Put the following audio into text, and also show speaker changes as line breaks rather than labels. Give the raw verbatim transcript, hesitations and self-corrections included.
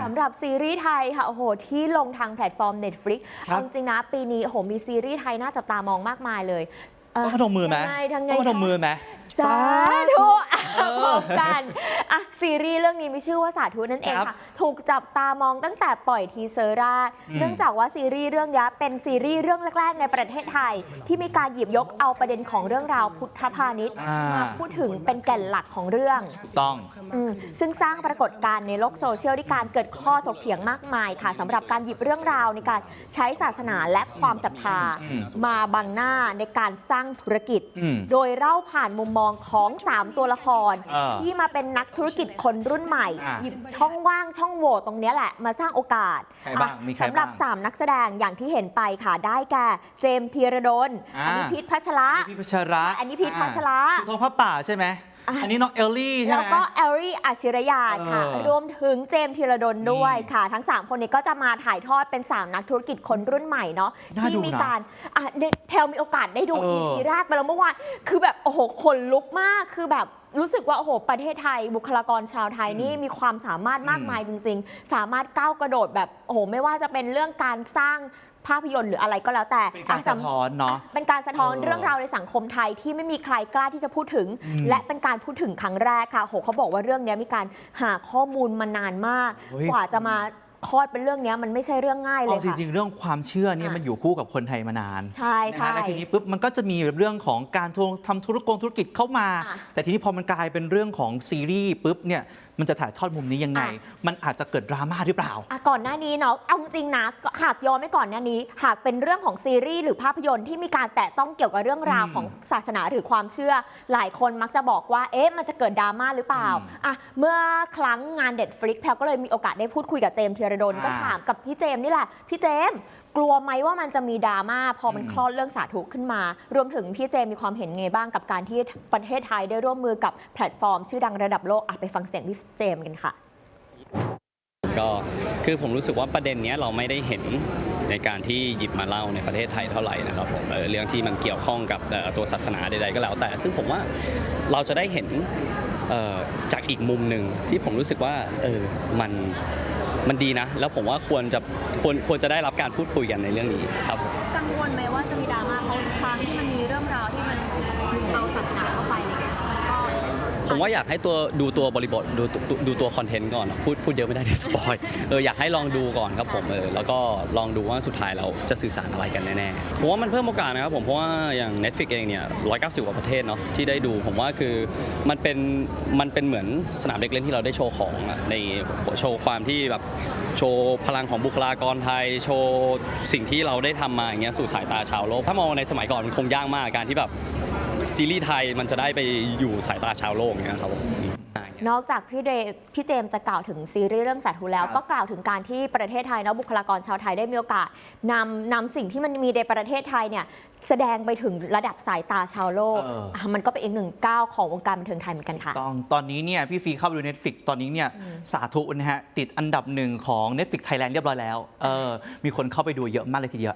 ำหรับซีรีส์ไทยค่ะโอ้โหที่ลงทางแพลตฟอร์ม Netflix เอาจริงๆนะปีนี้โอ้โหมีซีรีส์ไทยน่าจับตามองมากมายเลย
ต้องมาทำมือไหมต้องมาทำมือไหม
สาธุพร้อมกันอ่ะซีรีส์เรื่องนี้มีชื่อว่าสาธุนั่นเองค่ะถูกจับตามองตั้งแต่ปล่อยทีเซอร์แรกเนื่องจากว่าซีรีส์เรื่องนี้เป็นซีรีส์เรื่องแรกๆในประเทศไทยที่มีการหยิบยกเอาประเด็นของเรื่องราวพุทธพาณิชย์มาพูดถึงเป็นแก่นหลักของเรื่อง
ต้อง
ซึ่งสร้างปรากฏการณ์ในโลกโซเชียลที่การเกิดข้อถกเถียงมากมายค่ะสำหรับการหยิบเรื่องราวในการใช้ศาสนาและความศรัทธามาบังหน้าในการสร้างธุรกิจโดยเล่าผ่านมุมมองของสามตัวละครที่มาเป็นนักธุรกิจคนรุ่นใหม่หยิบช่องว่างช่องโหว่ตรงนี้แหละมาสร้างโอกาสสำหรับสามนักแสดงอย่างที่เห็นไปค่ะได้แก่เจมส์ธีรดลอันนี้พีทพัชระ
พีทพัชระ
อันนี้พีทพัชระ
ทองพระป่าใช่ไหมอันนี้น้องเอลลี่ใช่ไหม
แล้วก็เอลลี่อาชิรยาค่ะรวมถึงเจมส์ธีรดลด้วยค่ะทั้งสามคนนี้ก็จะมาถ่ายทอดเป็นสามนักธุรกิจคนรุ่นใหม่เนาะที่มีการอ่ะแพลมีโอกาสได้ดู อี พี แรกไปแล้วเมื่อวานคือแบบโอ้โหขนลุกมากคือแบบรู้สึกว่าโอ้โหประเทศไทยบุคลากรชาวไทยนี่มีความสามารถมากมายจริงๆสามารถก้าวกระโดดแบบโอ้โหไม่ว่าจะเป็นเรื่องการสร้างภาพยนตร์หรืออะไรก็แล้วแต่
เป็นการสะท้อนเนาะ
เป็นการสะท้อนเรื่องราวในสังคมไทยที่ไม่มีใครกล้าที่จะพูดถึงและเป็นการพูดถึงครั้งแรกค่ะโหเขาบอกว่าเรื่องนี้มีการหาข้อมูลมานานมากกว่าจะมาคลอดเป็นเรื่องนี้มันไม่ใช่เรื่องง่ายเลยค่ะ
จริงๆเรื่องความเชื่อเนี่ยมันอยู่คู่กับคนไทยมานาน
ใช่ใช่
แล้วทีนี้ปุ๊บมันก็จะมีเรื่องของการทำธุรกงธุรกิจเข้ามาแต่ทีนี้พอมันกลายเป็นเรื่องของซีรีส์ปุ๊บเนี่ยมันจะถ่ายทอดมุมนี้ยังไงมันอาจจะเกิดดราม่าหรือเปล่า
ก่อนหน้านี้เนาะเอาจริงนะหากย้อนไม่ก่อนหน้านี้หากเป็นเรื่องของซีรีส์หรือภาพยนตร์ที่มีการแตะต้องเกี่ยวกับเรื่องราวของศาสนาหรือความเชื่อหลายคนมักจะบอกว่าเอ๊ะมันจะเกิดดราม่าหรือเปล่าอ่ะเมื่อครั้งงาน Netflix แพลก็เลยมีโอกาสได้พูดคุยกับเจมส์ธีรดลก็ถามกับพี่เจมส์นี่แหละพี่เจมส์กลัวไหมว่ามันจะมีดราม่าพอมันคลอดเรื่องสาธุขึ้นมารวมถึงพี่เจมมีความเห็นไงบ้างกับการที่ประเทศไทยได้ร่วมมือกับแพลตฟอร์มชื่อดังระดับโลกไปฟังเสียงพี่เจมกันค่ะ
ก็คือผมรู้สึกว่าประเด็นนี้เราไม่ได้เห็นในการที่หยิบมาเล่าในประเทศไทยเท่าไหร่นะครับผมเรื่องที่มันเกี่ยวข้องกับตัวศาสนาใดๆก็แล้วแต่ซึ่งผมว่าเราจะได้เห็นจากอีกมุมหนึ่งที่ผมรู้สึกว่าเออมันมันดีนะแล้วผมว่าควรจะควรควรจะได้รับการพูดคุยกันในเรื่องนี้ครับ
กังวลไหมว่าจะมีดราม่าเพราะครั้งที่มันมีเรื่องราวที่มันเอาศาสนาเข้าไปอะไรเงี้ย
ผมว่าอยากให้ตัวดูตัวบริบทดูดูตัวคอนเทนต์ก่อนพูดพูดเยอะไม่ได้ที่สปอยเอออยากให้ลองดูก่อนครับผมเออแล้วก็ลองดูว่าสุดท้ายเราจะสื่อสารอะไรกันแน่ๆผมว่ามันเพิ่มโอกาสนะครับผมเพราะว่าอย่าง Netflix เองเนี่ยหนึ่งร้อยเก้าสิบกว่าประเทศเนาะที่ได้ดูผมว่าคือมันเป็นมันเป็นเหมือนสนามเด็กเล่นที่เราได้โชว์ของในโชว์ความที่แบบโชว์พลังของบุคลากรไทยโชว์สิ่งที่เราได้ทำมาอย่างเงี้ยสู่สายตาชาวโลกถ้ามองในสมัยก่อนมันคงยากมากการที่แบบซีรีส์ไทยมันจะได้ไปอยู่สายตาชาวโลกเนี่ยครับ
นอกจากพี่เดพี่เจมจะกล่าวถึงซีรีส์เรื่องสาธุแล้วก็กล่าวถึงการที่ประเทศไทยเนาะบุคลากรชาวไทยได้มีโอกาสนำนำสิ่งที่มันมีในประเทศไทยเนี่ยแสดงไปถึงระดับสายตาชาวโลกมันก็เป็นอีกหนึ่งก้าวของวงการบันเทิงไทยเหมือนกันค่ะ
ตอนตอนนี้เนี่ยพี่ฟีเข้าไปดู Netflix ตอนนี้เนี่ยสาธุนะฮะติดอันดับหนึ่งของ Netflix Thailand เรียบร้อยแล้วเออมีคนเข้าไปดูเยอะมากเลยทีเดียว